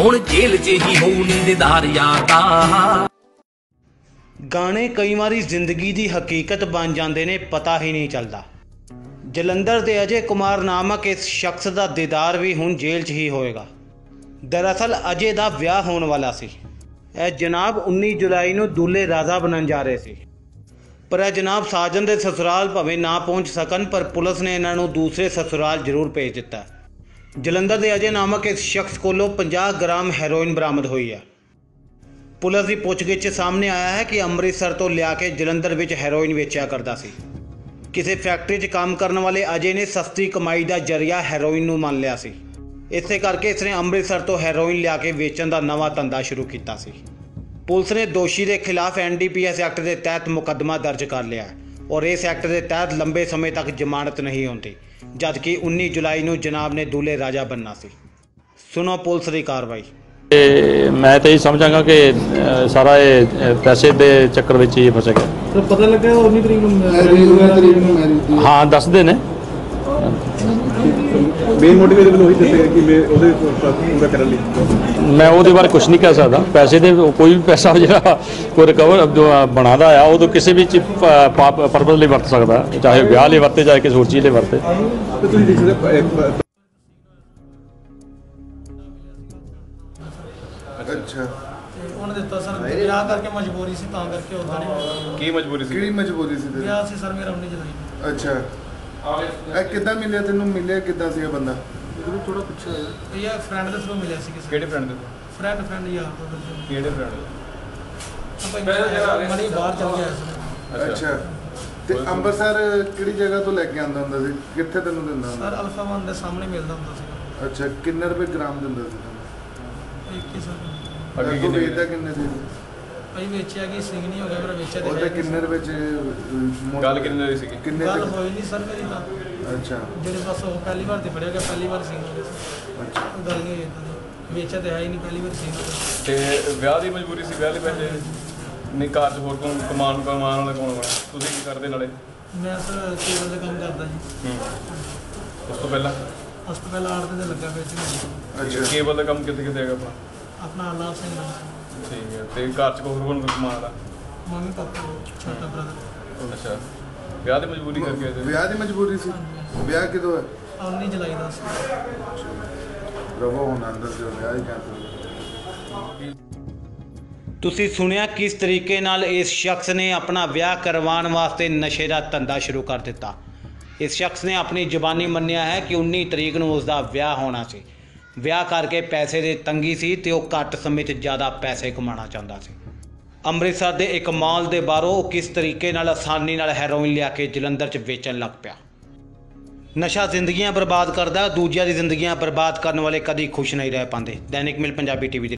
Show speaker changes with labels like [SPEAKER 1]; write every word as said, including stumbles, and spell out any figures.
[SPEAKER 1] हुण जेल च ही होऊ नी दीदार यार दा।
[SPEAKER 2] गाने कई वारी जिंदगी की हकीकत बन जाते ने, पता ही नहीं चलता। जलंधर के अजय कुमार नामक इस शख्स का दीदार भी हुण जेल च ही होएगा। दरअसल अजय का विआह होने वाला सी। यह जनाब उन्नीस जुलाई को दूल्हे राजा बनन जा रहे थे, पर यह जनाब साजन के ससुराल भावें ना पहुँच सकन, पर पुलिस ने इन्हों दूसरे ससुराल जरूर भेज दिता। जलंधर के अजय नामक इस शख्स कोलों पचास ग्राम हैरोइन बरामद हुई है। पुलिस की पुछगिछ सामने आया है कि अमृतसर तो लिया के जलंधर विच हैरोइन वेचा करता सी। किसी फैक्ट्री च काम करने वाले अजय ने सस्ती कमाई का जरिया हैरोइन नूं मान लिया सी। इसे करके इसने अमृतसर तो हैरोइन लिया के वेचण का नवा धंधा शुरू किया सी। पुलिस ने दोषी के खिलाफ N D P S act के तहत मुकदमा दर्ज कर लिया है और इस एक्ट के तहत लंबे समय तक जमानत नहीं होती, जबकि उन्नीस जुलाई को जनाब ने दूल्हे राजा बनना सी। सुनो पुलिस की कार्रवाई।
[SPEAKER 3] मैं तो यही समझांगा कि सारा ये पैसे के चक्कर में ही फस गया।
[SPEAKER 4] तो पता लगा उन्नीस तरीक
[SPEAKER 3] हाँ दसते ने
[SPEAKER 4] मेन मोटिवेशन वही दसे कि मैं ਉਹਦੇ ਪੂਰਾ ਕਰਨ ਲਈ
[SPEAKER 3] मैं ਉਹਦੇ ਬਾਰੇ ਕੁਝ ਨਹੀਂ ਕਹਿ ਸਕਦਾ। पैसे ਦੇ कोई भी पैसा ਜਿਹੜਾ ਕੋਈ ਰਿਕਵਰ ਜੋ ਬਣਾਦਾ ਆ ਉਹ ਤਾਂ ਕਿਸੇ ਵੀ ਪਰਪਸ ਲਈ ਵਰਤ ਸਕਦਾ, ਚਾਹੇ ਵਿਆਹ ਲਈ ਵਰਤੇ ਚਾਹੇ ਕਿਸੇ ਹੋਰ ਚੀਜ਼ ਲਈ ਵਰਤੇ।
[SPEAKER 4] ਤੇ ਤੁਸੀਂ ਦੇਖ ਸਕਦੇ
[SPEAKER 5] अच्छा
[SPEAKER 6] उन्होंने दिता सर विआह करके मजबूरी से तां करके उदा नहीं
[SPEAKER 4] ਕੀ ਮਜਬੂਰੀ ਸੀ?
[SPEAKER 5] ਕਿਹੜੀ ਮਜਬੂਰੀ ਸੀ ਤੇਰੀ?
[SPEAKER 6] विआह से सर मेरा उन्नीस जुलाई
[SPEAKER 5] ਅੱਛਾ ਇਹ ਕਿੱਦਾਂ ਮਿਲਿਆ ਤੈਨੂੰ? ਮਿਲਿਆ ਕਿੱਦਾਂ ਸੀ ਇਹ ਬੰਦਾ?
[SPEAKER 6] थोड़ा पूछा ये फ्रेंड ਦੇ ਥਰੂ ਮਿਲਿਆ ਸੀ ਕਿਸੇ
[SPEAKER 4] ਕਿਹੜੇ ਫਰੈਂਡ ਦੇ?
[SPEAKER 6] फ्रेंड फ्रेंड यार तो
[SPEAKER 4] ਕਿਹੜੇ ਫਰੈਂਡ?
[SPEAKER 6] ਆਪਾਂ ਮਣੀ ਬਾਹਰ ਚਲ ਗਿਆ ਸੀ।
[SPEAKER 5] ਅੱਛਾ ਤੇ ਅੰਮ੍ਰਿਤਸਰ ਕਿਹੜੀ ਜਗ੍ਹਾ ਤੋਂ ਲੈ ਕੇ ਆਉਂਦਾ ਹੁੰਦਾ ਸੀ? ਕਿੱਥੇ ਤੈਨੂੰ ਦਿੰਦਾ ਹੁੰਦਾ?
[SPEAKER 6] ਸਰ ਅਲਫਾ ਵਨ ਦੇ ਸਾਹਮਣੇ ਮਿਲਦਾ ਹੁੰਦਾ ਸੀ।
[SPEAKER 5] ਅੱਛਾ ਕਿੰਨੇ ਰੁਪਏ ਗ੍ਰਾਮ ਦਿੰਦਾ ਸੀ ਤੈਨੂੰ?
[SPEAKER 6] ਇੱਕੀ ਸਰ
[SPEAKER 5] ਅੱਗੇ ਕਿੰਨੇ ਵੇਚਦਾ? ਕਿੰਨੇ ਸੀ?
[SPEAKER 6] ਭਾਈ ਵੇਚਿਆ ਕਿ ਸਿੰਘ ਨਹੀਂ ਹੋ ਗਿਆ, ਮੇਰਾ ਵੇਚਿਆ
[SPEAKER 5] ਉਹਦੇ ਕਿੰਨੇ ਰੁਪਏ ਚ
[SPEAKER 4] ਗੱਲ ਕਿੰਨੇ ਦੀ ਸੀਗੀ?
[SPEAKER 5] ਕਿੰਨੇ
[SPEAKER 6] ਗੱਲ
[SPEAKER 5] ਤੱਕ?
[SPEAKER 6] ਹੋਈ ਨਹੀਂ ਸਰ ਮੇਰੀ ਤਾਂ।
[SPEAKER 5] ਅੱਛਾ
[SPEAKER 6] ਜਿਹੜੇ ਬਸ ਉਹ ਪਹਿਲੀ ਵਾਰ ਤੇ ਫੜਿਆ ਗਿਆ, ਪਹਿਲੀ ਵਾਰ ਸਿੰਘ ਹੋ ਗਿਆ ਸੀ।
[SPEAKER 5] ਅੱਛਾ
[SPEAKER 6] ਗੱਲ ਨਹੀਂ ਹੋਈ ਇਦਾਂ ਦੀ, ਵੇਚਿਆ ਤੇ ਹੈ ਹੀ ਨਹੀਂ, ਪਹਿਲੀ ਵਾਰ ਸਿੰਘ ਹੋ ਗਿਆ।
[SPEAKER 4] ਤੇ ਵਿਆਹ ਦੀ ਮਜਬੂਰੀ ਸੀ? ਵਿਆਹ ਲਈ ਪੈਸੇ ਨਹੀਂ? ਘਰ 'ਚ ਹੋਰ ਕੋਣ ਕਮਾਉਣ ਕਮਾਉਣ ਵਾਲਾ ਕੌਣ ਹੋਣਾ? ਤੁਸੀਂ ਕੀ ਕਰਦੇ ਨਾਲੇ?
[SPEAKER 6] ਮੈਂ ਸਰ ਕੇਬਲ ਦਾ ਕੰਮ ਕਰਦਾ ਜੀ।
[SPEAKER 4] ਹੂੰ ਉਸ ਤੋਂ ਪਹਿਲਾਂ
[SPEAKER 6] ਉਸ ਤੋਂ ਪਹਿਲਾਂ ਆੜਤ ਤੇ ਲੱਗਾ ਪਿਆ ਸੀ।
[SPEAKER 5] ਅੱਛਾ
[SPEAKER 4] ਕੇਬਲ ਦਾ ਕੰਮ ਕਿੱਥੇ ਕਿੱਥੇ ਹੈਗਾ ਆਪਣਾ?
[SPEAKER 6] ਆਪਣਾ ਆਲਾਪ ਸਿੰਘ ਦਾ
[SPEAKER 4] ਠੀਕ ਹੈ। ਤੇ ਘਰ 'ਚ ਹੋਰ ਕੋਣ ਕਮਾਉਣ ਦਾ?
[SPEAKER 6] ਮੰਮੀ ਪਾਪਾ ਛੋਟਾ ਬ੍ਰਦਰ।
[SPEAKER 4] ਅੱਛਾ ਵਿਆਹ ਦੀ ਮਜਬੂਰੀ ਕਰਕੇ ਆਏ ਸੀ?
[SPEAKER 5] ਵਿਆਹ ਦੀ ਮਜਬੂਰੀ ਸੀ? ਵਿਆਹ ਕਿਦੋਂ ਹੈ?
[SPEAKER 6] उन्नीस जुलाई ਦਾ ਸੀ।
[SPEAKER 5] ਰਵੋ ਹੁਣ ਅੰਦਰ ਜੋ ਵਿਆਹ ਹੀ ਕਰਦੇ।
[SPEAKER 2] ਤੁਸੀਂ ਸੁਣਿਆ किस तरीके नाल इस शख्स ने अपना विआह करवाने वास्ते नशे का धंधा शुरू कर दिता। इस शख्स ने अपनी जबानी मन्निया है कि उन्नीस तरीक को उसका विआह होना सी। विआह करके पैसे की तंगी सी ते वो घट समय च ज़्यादा पैसे कमाना चाहता सी। अमृतसर के एक माल के बाहरों किस तरीके नाल आसानी नाल हैरोइन लिया के जलंधर च वेचन लग पिया। नशा जिंदगियां बर्बाद करता, दूजिया की जिंदगियां बर्बाद करने वाले कभी खुश नहीं रह पाते। दैनिक मेल पंजाबी टीवी।